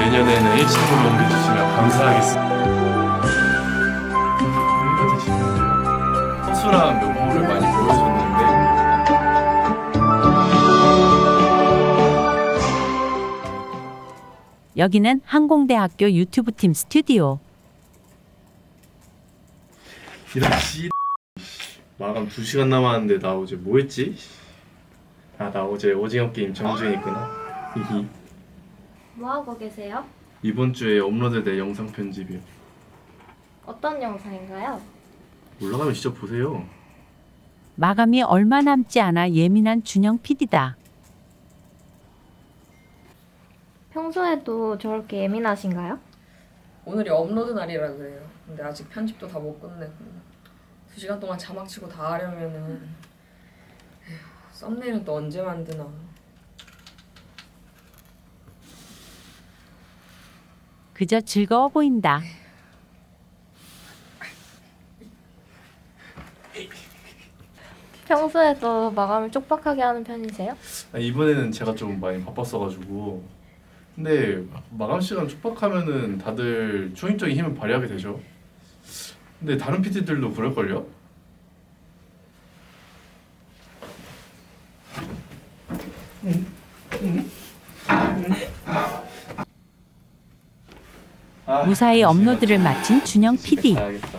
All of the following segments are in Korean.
내년에는 1층으로 옮겨주시면 감사하겠습니다. 여기가 되시는데요. 허술한 면모를 많이 보여줬는데 여기는 항공대학교 유튜브팀 스튜디오. 이런 마감 2시간 남았는데 나 어제 뭐 했지? 아, 나 어제 오징어 게임 정주행 했구나. 히히. 뭐 하고 계세요? 이번 주에 업로드될 영상 편집이요. 어떤 영상인가요? 올라가면 직접 보세요. 마감이 얼마 남지 않아 예민한 준영 PD다. 평소에도 저렇게 예민하신가요? 오늘이 업로드 날이라 그래요. 근데 아직 편집도 다 못 끝내고 2시간 동안 자막 치고 다 하려면은 에휴, 썸네일은 또 언제 만드나. 그저 즐거워 보인다. 평소에도 마감을 쪽박하게 하는 편이세요? 아, 이번에는 제가 좀 많이 바빴어가지고. 근데 마감 시간 촉박하면은 다들 초인적인 힘을 발휘하게 되죠. 근데 다른 PD들도 그럴걸요? 무사히 업로드를 마친 준영 PD. 가야겠다.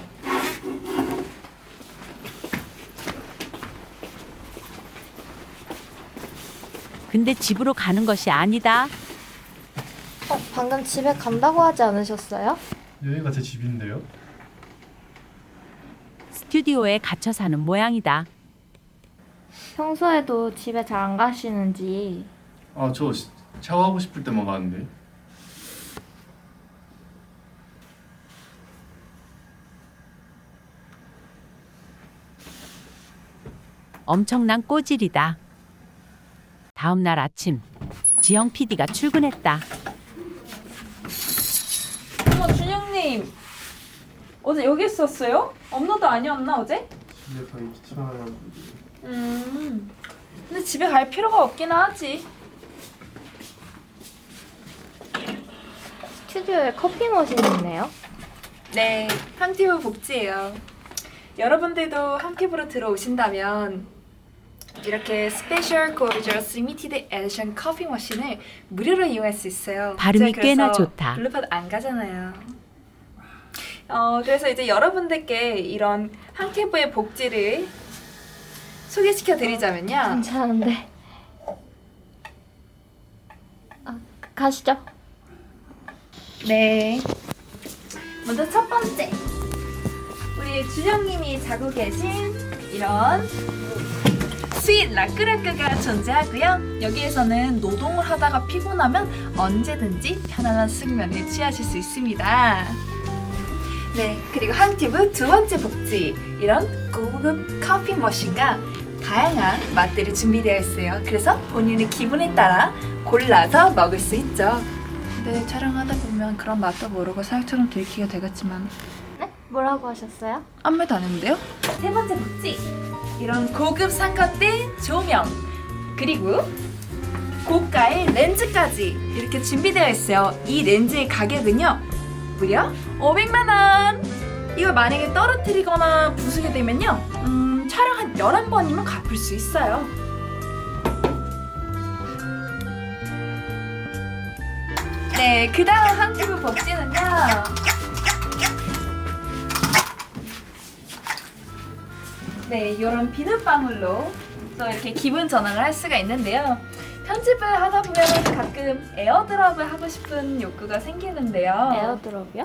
근데 집으로 가는 것이 아니다. 방금 집에 간다고 하지 않으셨어요? 여기가 제 집인데요? 스튜디오에 갇혀 사는 모양이다. 평소에도 집에 잘 안 가시는지. 아, 저 샤워하고 싶을 때만 가는데. 엄청난 꼬질이다. 다음 날 아침 지영 PD가 출근했다. 어머 준영님 어제 여기 있었어요? 업로드 아니었나 어제? 집에 가기 귀찮아요. 근데 집에 갈 필요가 없긴 하지. 스튜디오에 커피 머신이 있네요. 네, 항티브 복지예요. 여러분들도 항티브로 들어오신다면 이렇게 스페셜 고르저스 리미티드 에디션 커피 머신을 무료로 이용할 수 있어요. 발음이 제가 꽤나 그래서 좋다. 블루팟 안 가잖아요. 그래서 이제 여러분들께 이런 항티브의 복지를 소개시켜 드리자면요. 괜찮은데. 가시죠. 네. 먼저 첫 번째. 우리 준영님이 자고 계신 이런 스윗 라크라크가 존재하고요. 여기에서는 노동을 하다가 피곤하면 언제든지 편안한 숙면을 취하실 수 있습니다. 네, 그리고 항티브 두 번째 복지. 이런 고급 커피 머신과 다양한 맛들이 준비되어 있어요. 그래서 본인의 기분에 따라 골라서 먹을 수 있죠. 근데 촬영하다 보면 그런 맛도 모르고 사육처럼 들키게 되겠지만 네? 뭐라고 하셨어요? 아무 말도 안 했는데요? 세 번째 복지. 이런 고급 삼각대 조명 그리고 고가의 렌즈까지 이렇게 준비되어 있어요. 이 렌즈의 가격은요 무려 500만 원. 이걸 만약에 떨어뜨리거나 부수게 되면요 촬영 한 11번이면 갚을 수 있어요. 네, 그 다음 항티브 복지는요 네, 이런 비눗방울로 또 이렇게 기분 전환을 할 수가 있는데요. 편집을 하다 보면 가끔 에어드랍을 하고 싶은 욕구가 생기는데요. 에어드롭이요?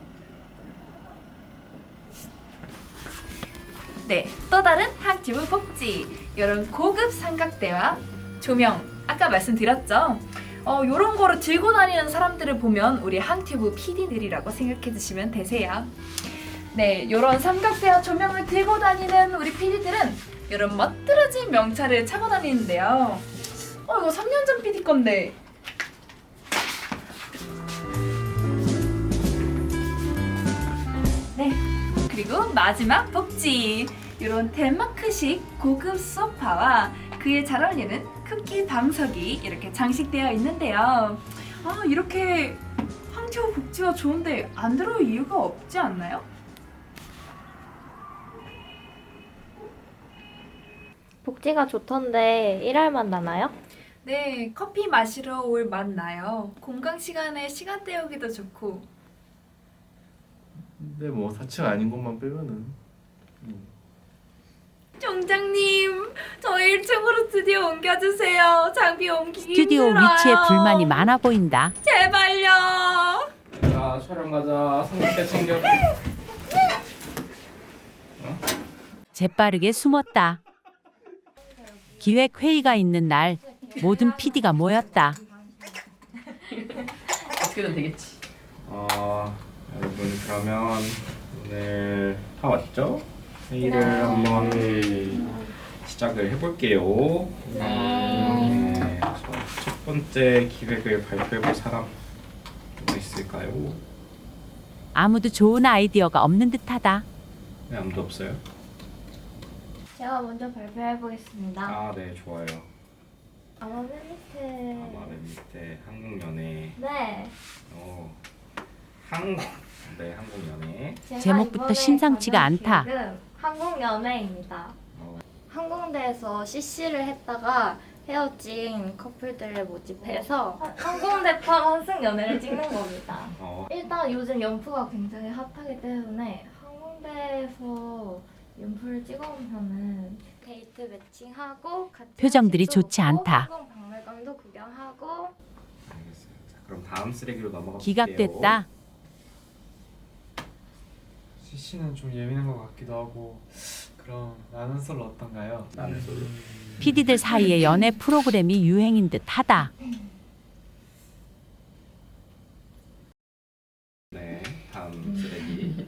네, 또 다른 항티브 복지. 이런 고급 삼각대와 조명, 아까 말씀드렸죠? 이런 거를 들고 다니는 사람들을 보면 우리 항티브 PD들이라고 생각해 주시면 되세요. 네, 이런 삼각대와 조명을 들고 다니는 우리 PD들은 이런 멋들어진 명찰을 차고 다니는데요. 이거 3년 전 PD 건데. 네, 그리고 마지막 복지. 이런 덴마크식 고급 소파와 그에 잘 어울리는 쿠키 방석이 이렇게 장식되어 있는데요. 이렇게 퀄리티와 복지가 좋은데 안 들어올 이유가 없지 않나요? 복지가 좋던데 일할만 나나요? 네, 커피 마시러 올 맛 나요. 공강 시간에 시간 때우기도 좋고. 근데 뭐 4층 아닌 것만 빼면은 총장님, 저희 1층으로 스튜디오 옮겨주세요. 장비 옮기기 스튜디오 힘들어요. 위치에 불만이 많아 보인다. 제발요. 자, 촬영 가자. 성격대 챙겨. 재빠르게 숨었다. 기획 회의가 있는 날 모든 PD가 모였다. 어떻게든 되겠지. 여러분 그러면 오늘 다 왔죠? 회의를 한번 시작을 해볼게요. 네. 첫 번째 기획을 발표해볼 사람 누가 있을까요? 아무도 좋은 아이디어가 없는 듯하다. 네, 아무도 없어요? 제가 먼저 발표해 보겠습니다. 아, 네, 좋아요. 아마 맨 밑에. 아마 맨 밑에 한국연애. 네. 한국연애. 제가 제목부터 이번에 심상치가 가져온 않다. 기획은 한국연애입니다. 항공대에서 CC를 했다가 헤어진 커플들을 모집해서 항공대판 환승연애를 찍는 겁니다. 일단 요즘 연프가 굉장히 핫하기 때문에 항공대에서 연프를 찍어보면은 데이트 매칭하고 같이 표정들이 사진도 좋지 먹고 않다. 항공박물관도 구경하고. 알겠어요. 자, 그럼 다음 쓰레기로 넘어가 볼게요. 기각됐다. CC는 좀 예민한 것 같기도 하고. 그럼 나는 솔로 어떤가요? 나는 솔로. PD들 사이에 연애 프로그램이 유행인 듯하다. 네, 다음 쓰레기.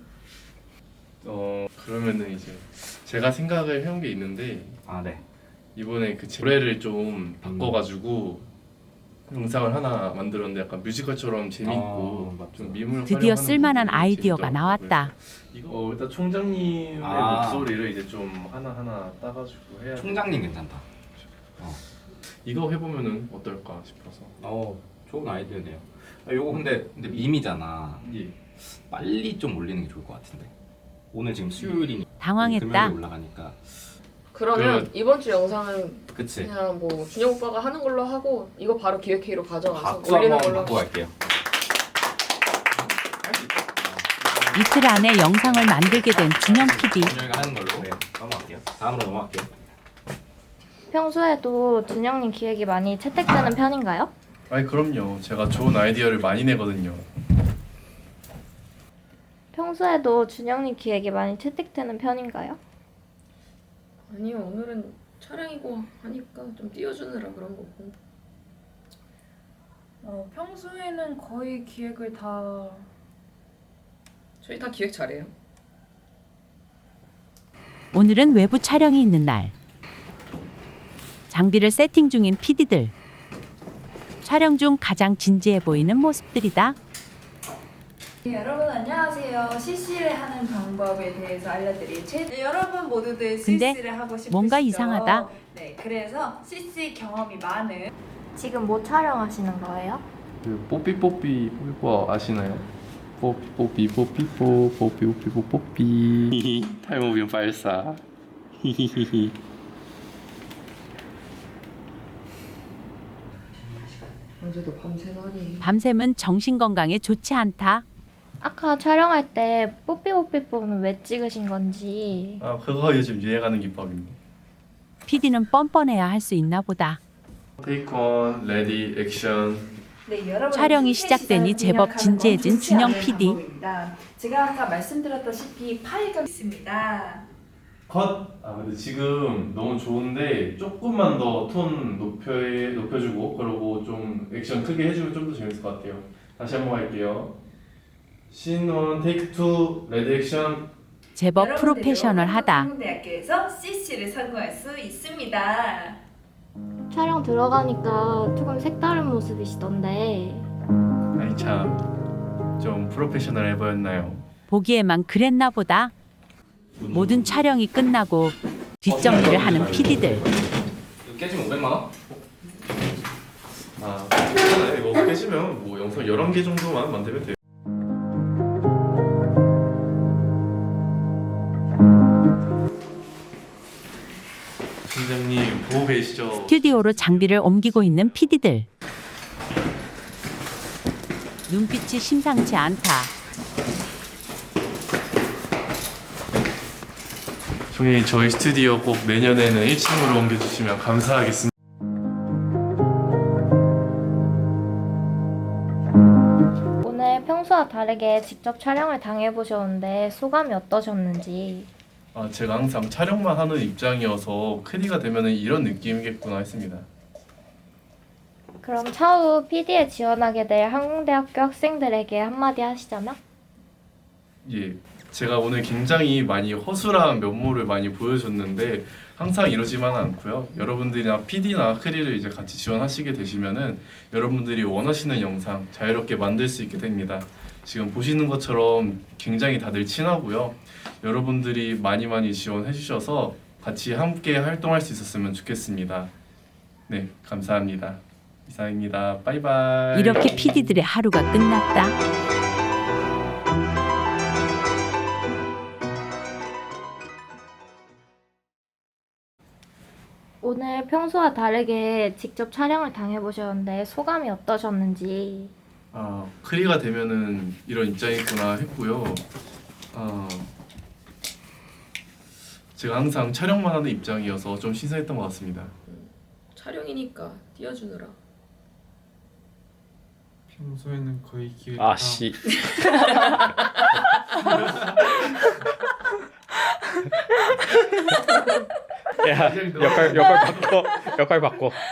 그러면은 이제 제가 생각을 해온 게 있는데 아, 네. 이번에 그 노래를 좀 바꿔가지고 영상을 하나 만들었는데 약간 뮤지컬처럼 재밌고 맞죠. 좀 미물 드디어 활용하는 쓸만한 부분이 아이디어가 재밌더라고요. 나왔다. 이거 일단 총장님의 목소리를 이제 좀 하나 따가지고 해야 돼. 총장님 괜찮다. 이거 해보면은 어떨까 싶어서. 좋은 아이디어네요. 요거 근데 밈이잖아. 예. 빨리 좀 올리는 게 좋을 것 같은데. 오늘 지금 수요일이니까 당황했다. 금요일에 올라가니까. 그러면 이번 주 영상은 그치. 그냥 뭐 준영 오빠가 하는 걸로 하고 이거 바로 기획회의로 가져가서 박수 올리는 한번 걸로 받고 갈게요. 이틀 안에 영상을 만들게 된 준영 PD. 준영이가 하는 걸로. 네, 넘어갈게요. 다음으로 넘어갈게요. 평소에도 준영님 기획이 많이 채택되는 편인가요? 아니 그럼요. 제가 좋은 아이디어를 많이 내거든요. 평소에도 준영님 기획이 많이 채택되는 편인가요? 아니요, 오늘은 촬영이고 하니까 좀 띄워주느라 그런 거고. 평소에는 거의 기획을 다 저희 다 기획 잘해요. 오늘은 외부 촬영이 있는 날. 장비를 세팅 중인 PD들. 촬영 중 가장 진지해 보이는 모습들이다. 네, 여러분 안녕하세요. CC를 하는 방법에 대해서 알려드릴 여러분 모두들 근데 CC를 하고 싶으시죠? 뭔가 이상하다. 네, 그래서 CC 경험이 많은 지금 뭐 촬영하시는 거예요? 그 뽀삐뽀삐 아시나요? 뽀삐뽀삐뽀 탈모비움 발사. 어제도 밤새나니. 밤샘은 정신 건강에 좋지 않다. 아까 촬영할 때 뽀삐뽀삐뽀는 왜 찍으신 건지. 아 그거 요즘 유행하는 기법입니다. PD는 뻔뻔해야 할 수 있나 보다. 테이크 원, 레디, 액션. 네, 여러분 촬영이 시작되니 제법 진지해진 준영 PD. 제가 아까 말씀드렸다시피 파일가 있습니다. 컷! 아 근데 지금 너무 좋은데 조금만 더 톤 높여주고 그러고 좀 액션 크게 해주면 좀 더 재밌을 것 같아요. 다시 한번 할게요. 씬1 테이크 2 레디 액션. 제법 프로페셔널하다. 한국대학교에서 CC를 선고할 수 있습니다. 촬영 들어가니까 조금 색다른 모습이시던데. 아니 참 좀 프로페셔널해 보였나요? 보기에만 그랬나 보다. 모든 촬영이 끝나고 뒷정리를 하는 PD들. 이거 깨지면 500만 원? 아 이거 깨지면 뭐 영상 11개 정도만 만들면 돼요. 팀장님 보고 계시죠? 스튜디오로 장비를 옮기고 있는 PD들. 눈빛이 심상치 않다. 저희 스튜디오 꼭 내년에는 1층으로 옮겨주시면 감사하겠습니다. 오늘 평소와 다르게 직접 촬영을 당해보셨는데 소감이 어떠셨는지. 제가 항상 촬영만 하는 입장이어서 크리가 되면 이런 느낌이겠구나 했습니다. 그럼 차후 PD에 지원하게 될 항공대학교 학생들에게 한마디 하시자면? 예, 제가 오늘 굉장히 많이 허술한 면모를 많이 보여줬는데 항상 이러지만은 않고요. 여러분들이나 PD나 크리를 이제 같이 지원하시게 되시면은 여러분들이 원하시는 영상 자유롭게 만들 수 있게 됩니다. 지금 보시는 것처럼 굉장히 다들 친하고요. 여러분들이 많이 지원해 주셔서 같이 함께 활동할 수 있었으면 좋겠습니다. 네, 감사합니다. 이상입니다. 바이바이. 이렇게 PD들의 하루가 끝났다. 오늘 평소와 다르게 직접 촬영을 당해보셨는데 소감이 어떠셨는지. 크리가 되면은 이런 입장이구나 했고요. 제가 항상 촬영만 하는 입장이어서 좀 신선했던 것 같습니다. 촬영이니까 띄워주느라. 평소에는 거의 기획 아씨. 야, 역할 바꿔.